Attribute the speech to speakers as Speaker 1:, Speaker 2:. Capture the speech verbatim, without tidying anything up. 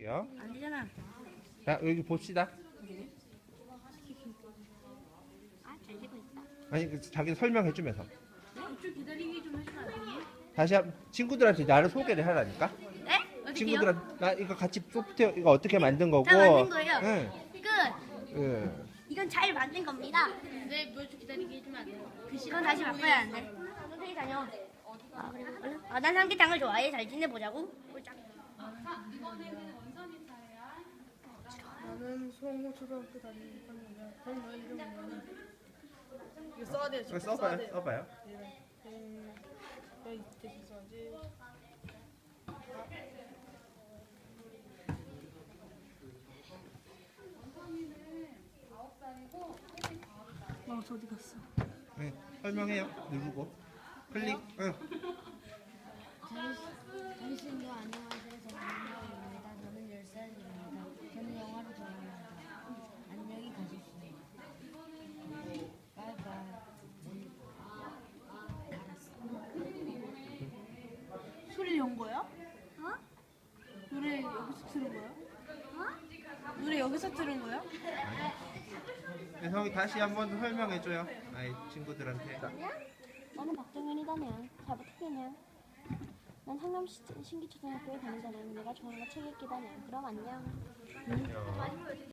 Speaker 1: 볼게요.
Speaker 2: 안 되잖아.
Speaker 1: 자, 여기 봅시다.
Speaker 2: 아, 잘 되고 있다.
Speaker 1: 아니, 그 자기 설명해주면서.
Speaker 2: 좀 기다리기 좀 해주면 안 되니?
Speaker 1: 다시 한 친구들한테 나를 소개를 하라니까.
Speaker 2: 네? 어떻게요?
Speaker 1: 친구들한테 나 이거 같이 소프트웨어 이거 어떻게 만든 거고.
Speaker 2: 다 만든 거예요?
Speaker 1: 응.
Speaker 2: 끝!
Speaker 1: 응.
Speaker 2: 이건 잘 만든 겁니다. 네, 뭐 좀 기다리게 해주면 안 돼요? 그건 다시 바꿔야 안 돼. 선생님 다녀. 아, 그래? 얼른. 아, 난 삼계탕을 좋아해. 잘 지내보자고. 꼴짝.
Speaker 3: 나는 송호 초등학교 다니는 학년이야. 그럼 너의 이름은 이거 써야 돼.
Speaker 1: 이거
Speaker 3: 직접 써야
Speaker 1: 써봐요.
Speaker 3: 돼.
Speaker 1: 써봐요.
Speaker 3: 음, 여기 대신 써야지. 마우스 어디 갔어?
Speaker 1: 응. 설명해요. 누르고 클릭. 응.
Speaker 4: 당신도 안녕하세요. 저는 윤영입니다. 저는 열 살입니다. 저는 영화를 좋아합니다. 안녕히 가십시오. 바이바이.
Speaker 3: 소리 연 거야? 어? 노래 여기서 들은 거야? 어? 노래 여기서 들은 거야?
Speaker 1: 네, 형이 다시 한번 설명해줘요. 아이 친구들한테.
Speaker 4: 나는 박정현이다냐. 잘 부탁해냐. 난 상남 신기초등학교에 다닌다냐. 내가 좋아하는 거 책 읽기다냐. 그럼 안녕.
Speaker 1: 안녕.